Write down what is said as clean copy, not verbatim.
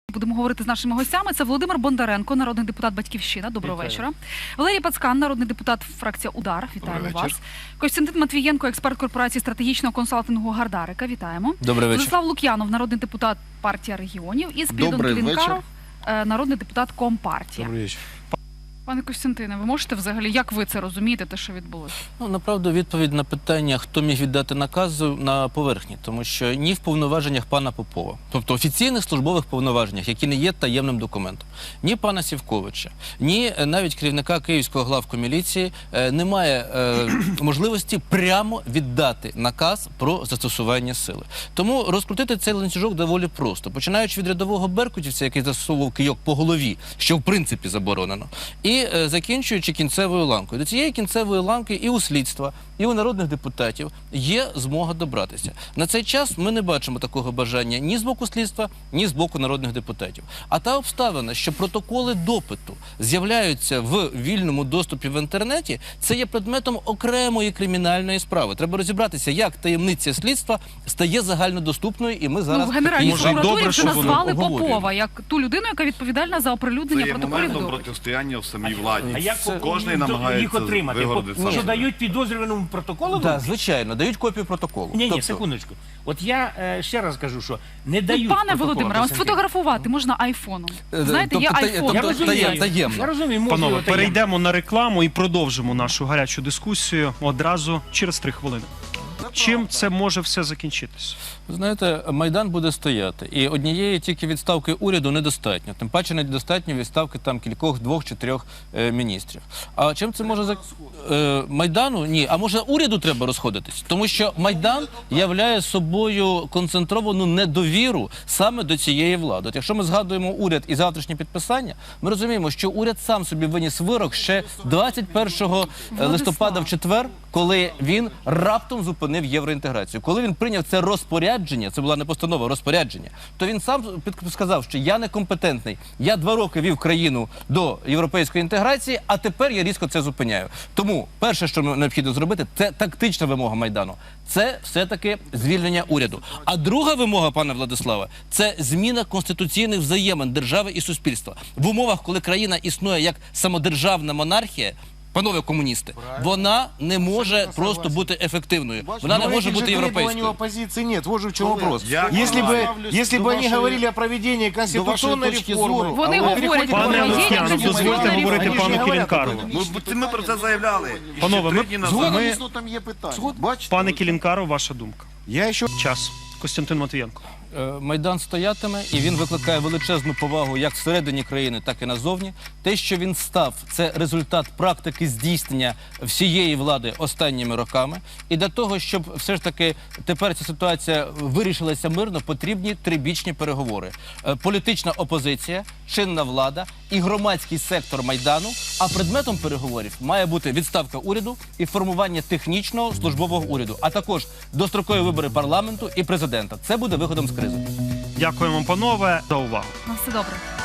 Будемо говорити з нашими гостями. Це Володимир Бондаренко, народний депутат «Батьківщина». Доброго вечора. Валерій Пацкан, народний депутат, фракція «Удар». Вітаємо вас. Костянтин Матвієнко, експерт корпорації стратегічного консалтингу «Гардарика». Вітаємо. Добрий вечір. Владислав Лук'янов, народний депутат партія регіонів. І Спірідон Клінкаров, народний депутат Компартія. Добрий вечір. Пане Костянтине, ви можете взагалі, як ви це розумієте, те, що відбулося? Ну, направду, відповідь на питання, хто міг віддати наказ, на поверхні. Тому що ні в повноваженнях пана Попова, тобто офіційних службових повноваженнях, які не є таємним документом, ні пана Сівковича, ні навіть керівника Київського главку міліції немає можливості прямо віддати наказ про застосування сили. Тому розкрутити цей ланцюжок доволі просто. Починаючи від рядового беркутівця, який застосовував кийок по голові, що в принципі заборонено, і закінчуючи кінцевою ланкою. До цієї кінцевої ланки і у слідства, і у народних депутатів є змога добратися. На цей час ми не бачимо такого бажання ні з боку слідства, ні з боку народних депутатів. А та обставина, що протоколи допиту з'являються в вільному доступі в інтернеті, це є предметом окремої кримінальної справи. Треба розібратися, як таємниця слідства стає загальнодоступною, і ми зараз... Ну, в Генеральній прокуратурі вже назвали Попова як ту людину, яка відповідальна за оприлюднення протоколів допиту. Протистояння в самій владі. А як кожен намагається їх отримати? вигородити? Що дають підозрюваному протоколу? Так, звичайно, дають копію протоколу. Ні, секундочку. От я ще раз кажу, що не дають Пане Володимире, сфотографувати можна айфоном. Знаєте, є айфон. Я розумію. Панове, перейдемо на рекламу і продовжимо нашу гарячу дискусію одразу через 3 хвилини. Чим це може все закінчитися? Знаєте, Майдан буде стояти, і однієї тільки відставки уряду недостатньо. Тим паче недостатньо відставки там кількох, 2 чи 3 міністрів. А чим це може Майдану? Ні. А може уряду треба розходитись? Тому що Майдан являє собою концентровану недовіру саме до цієї влади. От якщо ми згадуємо уряд і завтрашнє підписання, ми розуміємо, що уряд сам собі виніс вирок ще 21 листопада в четвер, коли він раптом зупинив євроінтеграцію. Коли він прийняв це розпорядження, це була не постанова, а розпорядження, то він сам сказав, що я некомпетентний. Я 2 роки вів країну до європейської інтеграції, а тепер я різко це зупиняю. Тому перше, що необхідно зробити, це тактична вимога Майдану. Це все-таки звільнення уряду. А друга вимога, пане Владиславе, це зміна конституційних взаємин держави і суспільства. В умовах, коли країна існує як самодержавна монархія, панове комуністи, вона не може просто бути ефективною. Вона не може бути європейською. Оппозиции нет. Вот же в чем вопрос. Если бы они говорили о проведении конституционной реформы... Вони говорять про Пане Лук'янов, дозвольте говорити пану Кілінкарову. Ми про це заявляли. Панове, Там є питання. Бачите? Пане Кілінкаров, ваша думка. Я ще... Час. Костянтин Матвієнко. Майдан стоятиме, і він викликає величезну повагу як всередині країни, так і назовні. Те, що він став, це результат практики здійснення всієї влади останніми роками. І для того, щоб все ж таки тепер ця ситуація вирішилася мирно, потрібні трибічні переговори. Політична опозиція, чинна влада і громадський сектор Майдану, а предметом переговорів має бути відставка уряду і формування технічного службового уряду, а також дострокові вибори парламенту і президента. Це буде виходом з кризи. Дякуємо, панове, за увагу. На все добре.